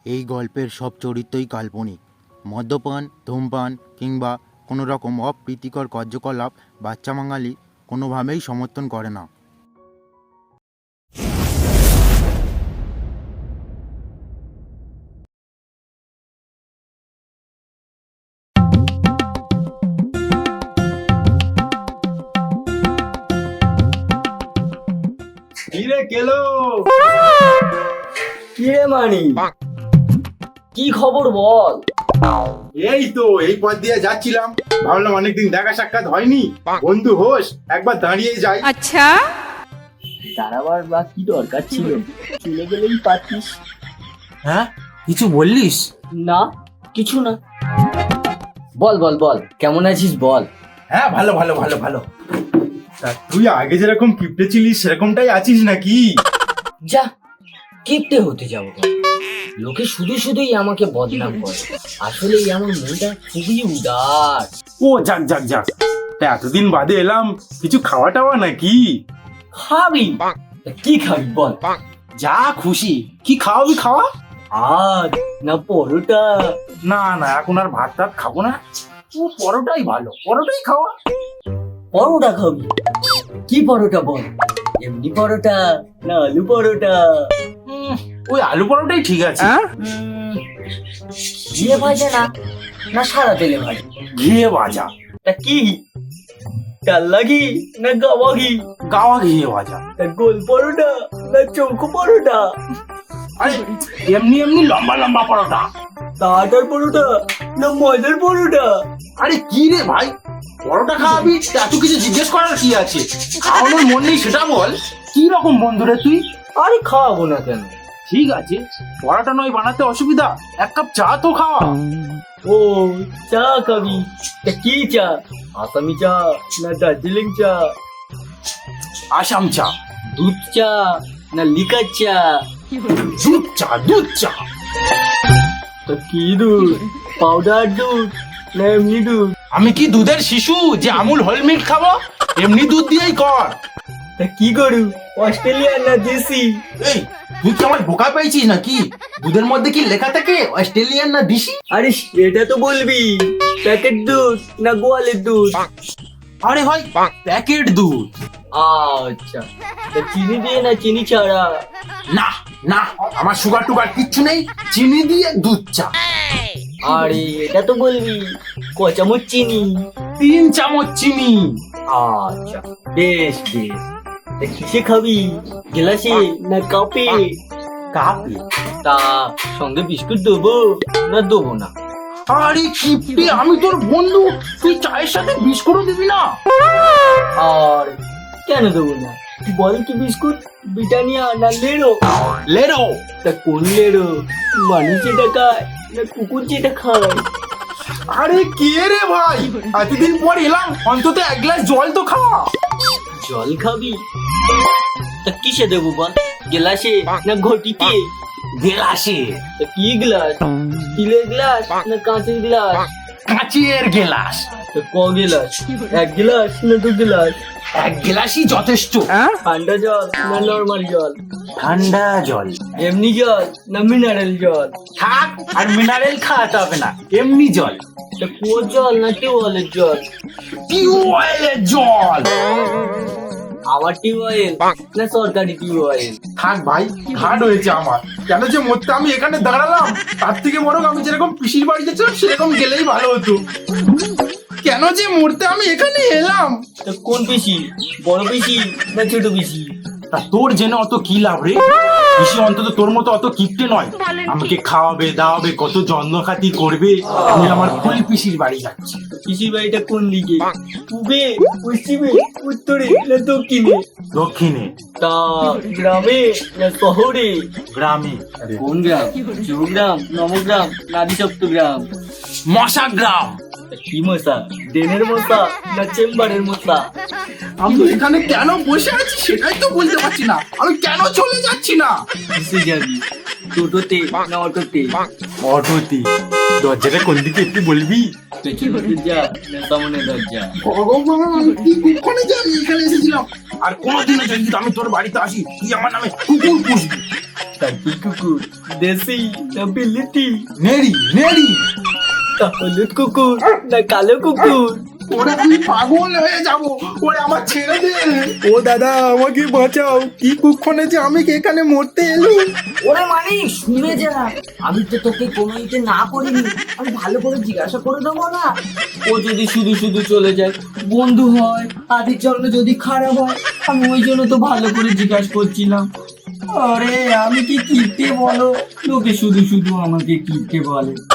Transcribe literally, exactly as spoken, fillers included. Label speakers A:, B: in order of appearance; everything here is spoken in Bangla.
A: এই গল্পের সব চরিত্রই কাল্পনিক। মদ্যপান, ধূমপান কিংবা কোনো রকম অপ্রীতিকর কার্যকলাপ বাচ্চা বাঙালি কোনোভাবেই সমর্থন করে না।
B: কিরে কেলো,
C: কিরে মানি, কি খবর বল?
B: এই তো এই পথ দিয়ে যাচ্ছিলাম, ভাবলাম অনেকদিন দেখা সাক্ষাৎ হয়নি, বন্ধু হোস একবার দাঁড়িয়ে যাই।
D: আচ্ছা,
C: দাঁড়াবার বা কি দরকার ছিল? চলে গেলেই পারতিস।
E: হ্যাঁ, কিছু বললিস?
C: না, কিছু না। বল বল বল, কেমন আছিস বল?
B: হ্যাঁ, ভালো ভালো ভালো ভালো। তা তুই আগে যেরকম কিপটে ছিলিস সেরকমটাই আছিস নাকি?
C: যা, কিপটে হতে যাবো কেন? লোকে শুধু শুধুই আমাকে বদনাম করে। আসলে আমার মনটা খুবই উদার।
B: ও যাক যাক যাক, তা এতদিন বাদে এলাম, কিছু খাওয়া টাওয়া নাকি?
C: খাবি? তা কি খাবি বল?
B: যা খুশি, কি খাওয়াবি খাওয়া।
C: আজ না পরোটা?
B: না না, এখন আর ভাত টাত খাবো না, ও পরোটাই ভালো, পরোটাই খাওয়া।
C: পরোটা খাবি? কি পরোটা বল? এমনি পরোটা না আলু পরোটা?
B: উম, ওই আলু পরোটাই ঠিক আছে।
C: উম, ঘিয়ে ভাজা না না সাদা তেলে ভাজা?
B: ঘিয়ে ভাজা।
C: তা কি, ডাল্লা ঘি না গাওয়া ঘি?
B: গাওয়া ঘিয়ে ভাজা।
C: তা গোল পরোটা না চৌকো পরোটা?
B: আরে এমনি এমনি লম্বা লম্বা পরোটা।
C: তা আটার পরোটা না ময়দার পরোটা?
B: আরে কি রে ভাই, পরোটা খাওয়াবি এত কিছু জিজ্ঞেস করার কি আছে? খাওয়ানোর মন নেই সেটা বল। কি রকম বন্ধু রে তুই?
C: আরে খাওয়াবো না কেন?
B: ঠিক আছে, পরোটা নয় বানাতে অসুবিধা, এক কাপ চা তো খাওয়া।
C: ও চা খাবি? তা কি চা? আসামি চা না দার্জিলিং চা?
B: আসাম চা।
C: দুধ চা না লিকার চা?
B: দুধ চা, দুধ চা।
C: তা কি দুধ? পাউডার দুধ না এমনি দুধ?
B: আমি কি দুধের শিশু যে আমুল হোল মিল্ক খাবো? এমনি দুধ দিয়েই কর।
C: তা কি করু, অস্ট্রেলিয়ান না দেশি?
B: এই তুই কি আমার বোকা পেয়েছিস নাকি? দুধের মধ্যে কি লেখা থাকে অস্ট্রেলিয়ান না দেশি?
C: আরে এটা তো বলবি, প্যাকেট দুধ না গোয়ালের দুধ?
B: আরে ভাই, প্যাকেট দুধ।
C: আচ্ছা, তা চিনি দিয়ে না চিনি ছাড়া?
B: না না, আমার সুগার টুগার কিচ্ছু নেই, চিনি দিয়ে দুধ চা।
C: আরে এটা তো বলবি, ক চামচ চিনি?
B: তিন চামচ চিনি।
C: আচ্ছা, বেশ বেশ। তা কিসে খাবি, গ্লাসে না কাপে?
B: কাপে।
C: তা সঙ্গে বিস্কুট দেবো না দেবো না?
B: আরে কিপটে, আমি তোর বন্ধু, তুই চায়ের সাথে বিস্কুটও দিবি না?
C: আর কেন দেবো না? বল কি বিস্কুট, ব্রিটানিয়া না লেরো?
B: লেরো।
C: তা কোন লেরো, মানুষ যেটা খায় না কুকুর যেটা খায়?
B: আরে কে রে ভাই, এতদিন পর এলাম, অন্তত এক গ্লাস জল তো খাওয়া।
C: জল খাবি? তা কিসে দেবো বল, গ্লাসে না ঘটিতে?
B: গেলাসে।
C: তা কি গ্লাস, স্টিলের গ্লাস না কাঁচের গ্লাস?
B: কাঁচের গেলাস।
C: তা ক গ্লাস, এক গ্লাস না দু গ্লাস?
B: এক গেলাসই যথেষ্ট।
C: ঠান্ডা জল না নর্মাল জল?
B: ঠান্ডা জল।
C: এমনি জল না মিনারেল জল?
B: থাক, আর মিনারেল খাওয়াতে হবে না, এমনি জল।
C: তা কুয়োর জল না টিউবওয়েলের জল?
B: টিউবওয়েলের জল।
C: আমার টিউবওয়েল না সরকারি টিউবওয়েল?
B: থাক ভাই, ঘাট হয়েছে আমার, কেন যে মরতে আমি এখানে দাঁড়ালাম, তার থেকে বরং আমি যেরকম পিসির বাড়ি গেছিলাম সেরকম গেলেই ভালো হতো। কেন যে মরতে আমি এখানে এলাম।
C: তা কোন পিসি, বড় পিসি না ছোট পিসি?
B: তা তোর জেনে অত কি লাভ রে? পিসি অন্তত তোর মতো অত কিপটে নয়, আমাকে খাওয়াবে দাওয়াবে, কত যত্ন খাতি করবে। আমি আমার ফুল পিসির বাড়ি যাচ্ছি।
C: পিসির বাড়িটা কোন দিকে, পূবে পশ্চিমে উত্তরে না দক্ষিণে?
B: দক্ষিণে।
C: তা গ্রামে না শহরে?
B: গ্রামে।
C: কোন গ্রাম, চৌগ্রাম নবগ্রাম না আদিসপ্তগ্রাম?
B: মশা গ্রাম।
C: তা কি মশা, ডেনের মশা না চেম্বারের মশা?
B: আমি এখানে কেন বসে আছি সেটাই তো বলতে পারছি না, আমি কেন চলে যাচ্ছি না।
C: কিসে যাবি, টোটোতে না অটোতে?
B: অটোতে। দরজাটা কোন দিকে একটু বলবি?
C: পেছনে দরজা না সামনে দরজা?
B: ভগবান, কি কুক্ষণে যে আমি এখানে এসেছিলাম। আর কোনোদিনও যদি আমি তোর বাড়িতে আসি, তুই আমার নামে কুকুর পুষবি।
C: টার্কি কুকুর দেশি না বিলেতি,
B: নেড়ি নেড়ি।
C: তা হলুদ কুকুর না কালো কুকুর?
B: ওরে আমি পাগল হয়ে যাব, ওরে আমার ছেড়ে দে। ও দাদা আমাকে বাঁচাও, কি কুক্ষণে যে আমি এখানে মরতে এলো।
C: ওরে মানে শুনে যা, আমি তো তোকে কোনো ইতে না করিনি, আমি ভালো করে জিজ্ঞাসা করে দেবো না? ও যদি শুধু শুধু চলে যায়, বন্ধু হয়, আদির জন্য যদি খারাপ হয়, আমি ওই জন্য তো ভালো করে জিজ্ঞাসা করছিলাম। আরে আমি কি কিপটে বলো, লোকে শুধু শুধু আমাকে কিপটে বলে।